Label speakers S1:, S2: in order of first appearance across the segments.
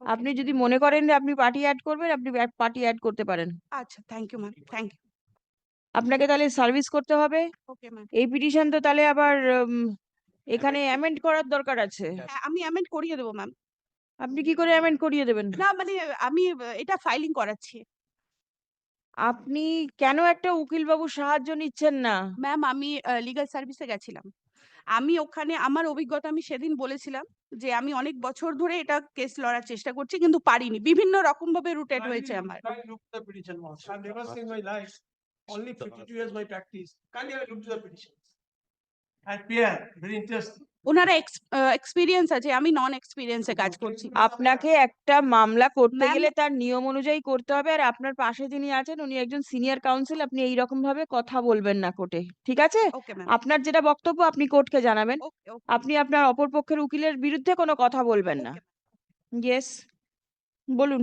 S1: আপনি যদি মনে করেন যে আপনি পার্টি অ্যাড করবেন, আপনি পার্টি অ্যাড করতে পারেন।
S2: আচ্ছা, thank you ma'am, thank you.
S1: আপনাকে তাহলে সার্ভিস করতে হবে।
S2: Okay ma'am.
S1: এই পিটিশন তো তাহলে আবার এখানে অ্যামেন্ড করার দরকার আছে।
S2: হ্যাঁ, আমি অ্যামেন্ড করিয়ে দেবো ম্যাম।
S1: আপনি কি করে অ্যামেন্ড করিয়ে দেবেন?
S2: না মানে আমি এটা ফাইলিং করাচ্ছি।
S1: আপনি কেন একটা উকিল বাবু সাহায্য নিচ্ছেন না?
S2: ম্যাম আমি লিগ্যাল সার্ভিসে গেছিলাম। আমি ওখানে আমার অভিজ্ঞতা আমি সেদিন বলেছিলাম যে আমি অনেক বছর ধরে এটা কেস লড়ার চেষ্টা করছি কিন্তু পারিনি। বিভিন্ন রকম ভাবে রুটেড হয়েছে আমার।
S3: Kindly look to the petition once. I've never seen my life. Only 52 years my practice. Kindly have a look to the petition. And Pierre, very interesting.
S2: ওনারা এক্সপেরিয়েন্স আছে, আমি নন এক্সপেরিয়েন্সে কাজ করছি।
S1: আপনাকে একটা মামলা করতে
S2: ম্যাম
S1: গেলে তার নিয়ম অনুযায়ী করতে হবে, আর আপনার পাশে যিনি আছেন উনি একজন সিনিয়র কাউন্সিল, আপনি এই রকম ভাবে কথা বলবেন না কোর্টে, ঠিক আছে?
S2: Okay ma'am.
S1: আপনার যেটা বক্তব্য আপনি কোর্টকে জানাবেন।
S2: ওকে ওকে
S1: আপনি আপনার অপর পক্ষের উকিলের বিরুদ্ধে কোনো কথা বলবেন না। ইয়েস, বলুন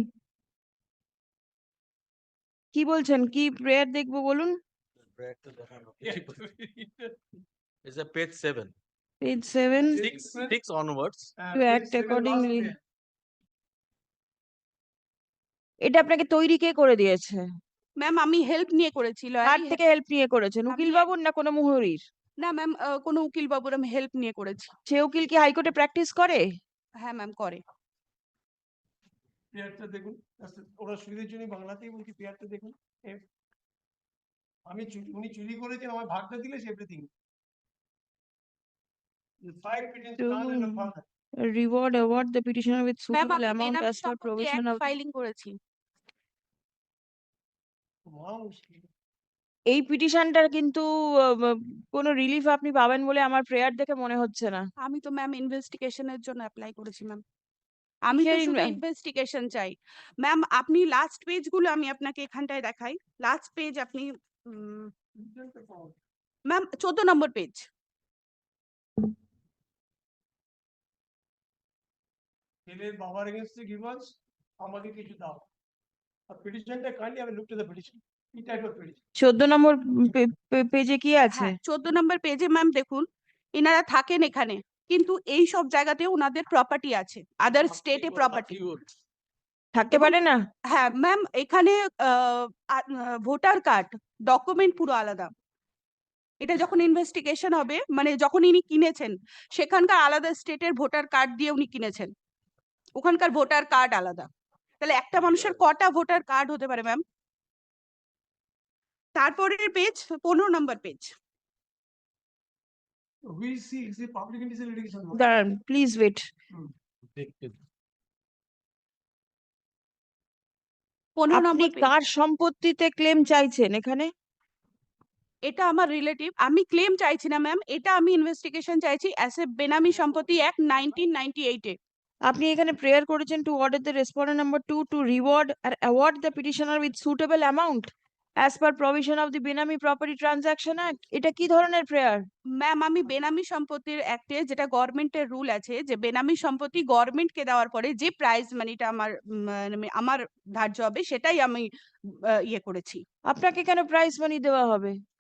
S1: কি বলছেন, কি প্রেয়ার দেখবো বলুন।
S4: Is a page 7.
S1: Page 7
S4: Six onwards.
S1: to act accordingly. এটা আপনাকে তৈরি কে করে দিয়েছে?
S2: ম্যাম আমি হেল্প নিয়ে করেছি,
S1: কার
S2: লয়ারি
S1: থেকে হেল্প নিয়ে করেছেন? উকিল বাবুর না কোনো মুহুরির?
S2: না ম্যাম, কোনো উকিল বাবুর আমি হেল্প নিয়ে করেছি।
S1: সে উকিল কি হাইকোর্টে প্র্যাকটিস করে?
S2: হ্যাঁ ম্যাম করে।
S3: পেয়ারটা দেখুন, ওরা সুবিধের জন্য বাংলাতেই বলছি, পেয়ারটা দেখুন। আমি উনি চুরি করেছেন, আমার ভাগটা দিলে everything.
S1: Reward award the petitioner with
S2: ma'am
S1: suitable
S2: আমি
S1: amount
S2: বেনামি
S1: as per
S2: সম্পত্তি
S1: provision
S2: অ্যাক্ট
S1: of
S2: ফাইলিং করেছি।
S1: এই পিটিশনটার কিন্তু কোনো রিলিফ আপনি পাবেন বলে আমার প্রেয়ার দেখে মনে হচ্ছে না।
S2: আমি তো ম্যাম ইনভেস্টিগেশনের জন্য অ্যাপ্লাই করেছি ম্যাম। আমি তো
S1: কিসের
S2: শুধু ইনভেস্টিগেশন চাই। ম্যাম আপনি লাস্ট পেজগুলো আমি আপনাকে এখানটায় দেখাই। লাস্ট পেজ আপনি ম্যাম 14 নম্বর পেজ।
S3: ছেলের বাবার এগেইনস্টে গিভার্স আমাকে কিছু দাও। আর পিটিশনটা kindly have a look to the petition. কি টাইপ অফ পিটিশন?
S1: 14 নম্বর পেজে কি আছে?
S2: হ্যাঁ 14 নম্বর পেজে ম্যাম দেখুন, এনারা থাকেন এখানে কিন্তু এই সব জায়গাতে ওনাদের প্রপার্টি আছে, আদার স্টেটে প্রপার্টি
S1: থাকতে পারে না?
S2: হ্যাঁ ম্যাম এখানে ভোটার কার্ড ডকুমেন্ট পুরো আলাদা। এটা যখন ইনভেস্টিগেশন হবে, মানে যখন ইনি কিনেছেন সেখানকার আলাদা স্টেটের ভোটার কার্ড দিয়ে উনি কিনেছেন, ওখানকার ভোটার কার্ড আলাদা। তাহলে একটা মানুষের কটা ভোটার কার্ড হতে পারে ম্যাম? তারপরের পেজ 15 নম্বর page.
S3: We see is a public interest litigation.
S1: দাঁড়ান প্লিজ ওয়েট।
S2: 15
S1: আপনি
S2: নম্বর পেজ।
S1: কার সম্পত্তিতে ক্লেম চাইছেন এখানে?
S2: এটা আমার রিলেটিভ, আমি ক্লেম চাইছি না ম্যাম, এটা আমি ইনভেস্টিগেশন চাইছি অ্যাজ এ বেনামি সম্পত্তি অ্যাক্ট 1998 এ।
S1: আপনি এখানে প্রেয়ার করেছেন to order the respondent number 2 to reward or award the petitioner with suitable amount as per provision of the benami property transaction act. এটা কি ধরনের প্রেয়ার?
S2: ম্যাম আমি বেনামি সম্পত্তির অ্যাক্টে যেটা গভর্নমেন্টের রুল আছে যে বেনামি সম্পত্তি গভর্নমেন্টকে দেওয়ার পরে যে প্রাইজ মানিটা আমার ধার্য হবে সেটাই আমি ইয়ে করেছি।
S1: আপনাকে কেন প্রাইজ মানি দেওয়া হবে?